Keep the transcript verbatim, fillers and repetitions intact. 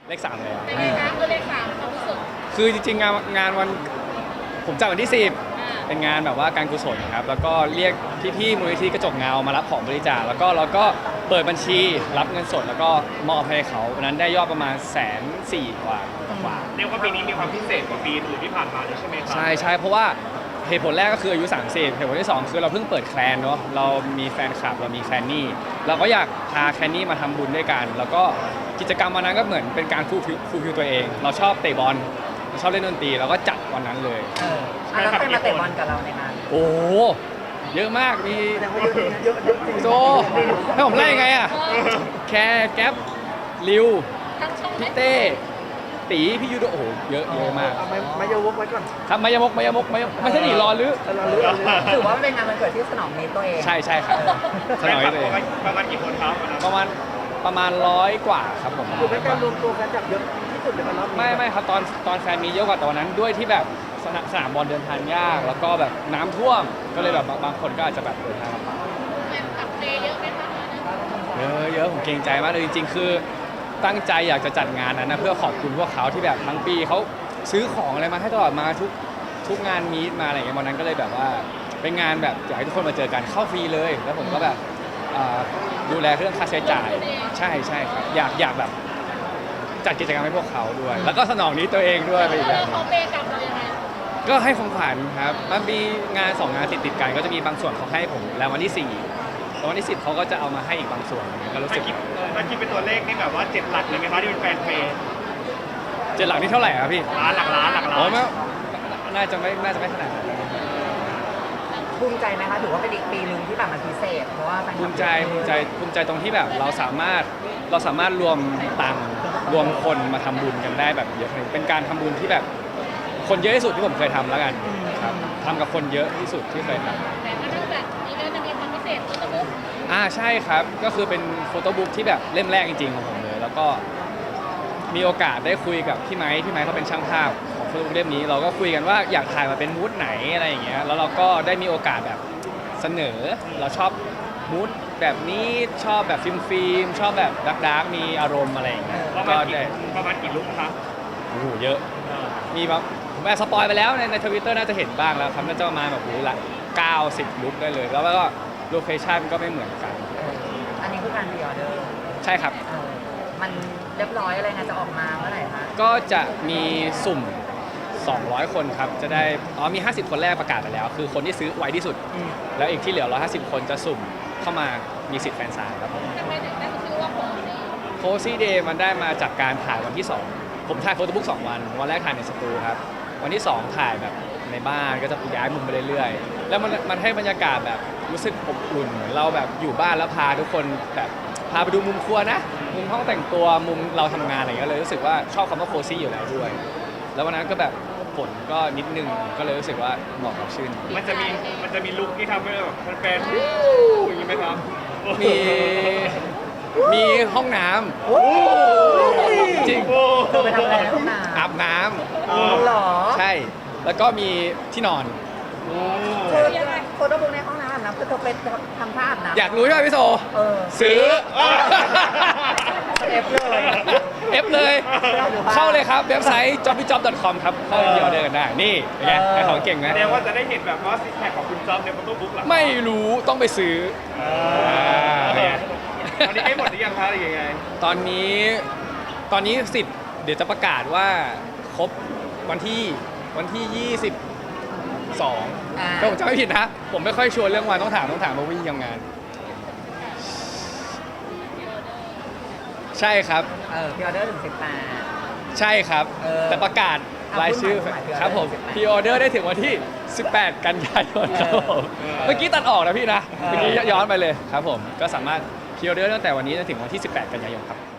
เลขสามเลยเป็นไงคะคือเลขสามความรู้สึกคือจริงๆงานงานวันผมจัดวันที่สิบอ่าเป็นงานแบบว่าการกุศลครับแล้วก็เรียกพี่ๆมูลนิธิกระจกเงามารับของบริจาคแล้วก็เราก็เปิดบัญชีรับเงินสดแล้วก็มอบให้เขาวันนั้นได้ยอดประมาณแสนสี่กว่ากว่าเรียกว่าปีนี้มีความพิเศษกว่าปีอื่นที่ผ่านมาเลยใช่ไหมครับใช่ใช่เพราะว่าเหตุผลแรกก็คืออายุสามสิบเหตุผลที่สองคือเราเพิ่งเปิดแคลนเนาะเรามีแฟนคลับเรามีแคลนนี่เราก็อยากพาแคลนนี่มาทำบุญด้วยกัน แล้วก็กิจกรรมวันนั้นก็เหมือนเป็นการฟูลฟิลฟูลฟิลตัวเอง เราชอบเตะบอลเราชอบเล่นดนตรีเราก็จัดวันนั้นเลยเอออ่ะแล้วใครมาเตะบอลกับเราในงานโอ้โหเยอะมากมีแสดงว่าเยอะเยอะเยอะจริงโซให้ผมไล่ยังไงอะแคร์แก๊ปริวทั้งช่องพี่เต้ตีพี่ยูโดโอ้โหเยอะเยอะมากเอาไม้ไม้ยาวกไว้ก่อนครับมายมกมายมกมายมกไม่ใช่หนีรอหรือแต่เราเลือกถือว่ามันเป็นงานวันเกิดที่สนองนี้ตัวเองใช่ใช่ครับสนอยเลยประมาณกี่คนครับวันนั้นประมาณประมาณร้อยกว่าครับผมคือเป็นการรวมตัวกันจากเยอะที่สุดในวันรอบนี้ไม่ไม่ครับตอนตอนแฟนมีเยอะกว่าแต่วันนั้นด้วยที่แบบสนามสนามบอลเดินทางยาก แล้วก็แบบน้ำท่วมก็เลยแบบบางบางคนก็อาจจะแบบเดินทางลำบากแฟนคลับเตเยอะไหมคะเยอะเยอะผมเกรงใจมากเลยจริงๆ คือตั้งใจอยากจะจัดงานนั้นนะเพื่อขอบคุณพวกเขาที่แบบทั้งปีเขาซื้อของอะไรมาให้ตลอดมาทุกทุกงานมีตมาอะไรอย่างเงี้ยวันนั้นก็เลยแบบว่าเป็นงานแบบอยากให้ทุกคนมาเจอกันเข้าฟรีเลย แล้วผมก็แบบอ่าดูแลเรื่องค่าใช้จ่ายใช่ใช่ครับอยากอยากแบบจัดกิจกรรมให้พวกเขาด้วย แล้วก็สนองนี้ตัวเองด้วยไปอีกแบบหนึ่เขางเปย์กับเรายังไงก็ให้ของขวัญครับมันมีงานสองงานติดติดๆกันก็จะมีบางส่วนเขาให้ผมแล้ววันที่สี่แล้ววันที่สิบเขาก็จะเอามาให้อีกบางส่วนก็รู้ถ้าสึกคิดถ้าคิดเป็นตัวเลขนี่แบบว่าเจ็ดหลักเลยไหมคะที่เป็นแฟนเพลงเจ็ดหลักนี่เท่าไหร่ครับพี่ล้านหลักล้านหลักล้าโอ้นไม่น่าจะไม่น่าจะไม่ขนาดนั้นภูมิใจไหมคะถือว่าเป็นอีกปีหนึ่งที่แบบมันพิเศษเพราะว่าแฟนคลับภูมิใจภูมิใจภูมิใจตรงที่แบบเราสามารถเราสามารถรวมตังค์รวมคนมาทำบุญกันได้แบบเยอะเป็นการทำบุญที่แบบคนเยอะที่สุดที่ผมเคยทำแล้วกันครับทำกับคนเยอะที่สุดที่เคยทำแต่ก็นอกจากนี้ก็จะมีความพิเศษตัวตะบุ๊กอ่าใช่ครับก็คือเป็นโฟโต้บุ๊กที่แบบเล่มแรกจริงๆของผมเลย แล้วก็มีโอกาสได้คุยกับพี่ไม้พี่ไม้เขาเป็นช่างภาพของโฟโต้บุ๊กเล่มนี้ เราก็คุยกันว่าอยากถ่ายมาเป็นมูดไหนอะไรอย่างเงี้ยแล้วเราก็ได้มีโอกาสแบบเสนอเราชอบมูดแบบนี้ชอบแบบฟิล์มฟิล์มชอบแบบดักดักมีอารมณ์อะไรอย่างเงี้ยประก็มาณกี่ได้ประมาณกี่ลุกคะโอ้โหเยอะมีแบบผมแอบสปอยไปแล้วในในทวิตเตอร์น่าจะเห็นบ้างแล้วครับน่าจะประมาณแบบโอ้โหละเก้าสิบลุกได้เลย แล้วก็โลเคชั่นก็ไม่เหมือนกันอันนี้คือการพรีออเดอร์ใช่ครับเออมันเรียบร้อยอะไรงานจะออกมาเมื่อไหร่คะก็จะมีสุ่ม สองร้อย คนครับ จะได้ อ๋อ มี ห้าสิบ คนแรกประกาศไปแล้ว คือคนที่ซื้อไวที่สุดอืมแล้วอีกที่เหลือ หนึ่งร้อยห้าสิบ คนจะสุ่มเข้ามามีสิทธิ์แฟนซายครับผมทำไมถึงได้ชื่อว่าโผล่นี่โคซี่เดย์มันได้มาจากการถ่ายวันที่ สอง ผมถ่ายโฟโต้บุ๊กสองวัน วันแรกถ่ายในสตูครับ วันที่ สอง ถ่ายแบบในบ้านก็จะย้ายมุมไปเรื่อยๆ แล้วมันมันให้บรรยากาศแบบรู้สึกอบอุ่นเหมือนเราแบบอยู่บ้านแล้วพาทุกคนแบบพาไปดูมุมครัวนะ มุมห้องแต่งตัว มุมเราทำงานอะไรอย่างเงี้ยเลยรู้สึกว่าชอบคำว่าโคซี่อยู่แล้วด้วย แล้ววันนั้นก็แบบฝนก็นิดนึงก็เลยรู้สึกว่าเหมาะกับชื่นมันจะมีมันจะมีลุกที่ทำให้แบบแฟนๆวู้อย่างนี้ไหมครับมีมีห้องน้ำโอ้ยจริงโอ้เธอไปทำอะไรในห้องน้อาบน้ำอ๋อเหรอำใช่ แล้วก็มีที่นอนโอ้เธอโฟโต้บุ๊กในห้องน้ำอาบน้ำคือเธอไปทำท่าอาบน้ำอยากรู้ใช่ไหมพี่โซเออซื้อเอฟเลยเอฟเลย เข้าเลยครับ เว็บไซต์ จ็อบบี้จ็อบ ดอท คอม ครับ เข้าไปเดียวเดินได้ นี่เป็นไงไอ้ของเก่งไหมแสดงว่าจะได้เห็นแบบว่าซิกแพคของคุณจ๊อบในโฟโต้บุ๊กหรอไม่รู้ต้องไปซื้ออ่าตอนนี้ให้หมดหรือยังคะหรือยังไงตอนนี้ตอนนี้สิทธิ์เดี๋ยวจะประกาศว่าครบวันที่วันที่ ยี่สิบสองอ่าถ้าผมจำไม่ผิดนะ ผมไม่ค่อยชัวร์เรื่องวันต้องถามต้องถามมาวิ่งทำงาน ใช่ครับเออพรีออเดอร์ถึงสิบแปดใช่ครับเออแต่ประกาศรายชื่ออ่ะพูดใหม่ครับผมสิบแปดพรีออเดอร์ได้ถึงวันที่ สิบแปด กันยายนครับผมเออเมื่อกี้ตัดออกนะพี่นะเออเมื่อกี้ย้อนไปเลยครับผมก็สามารถพรีออเดอร์ตั้งแต่วันนี้จนถึงวันที่ สิบแปด กันยายนครับ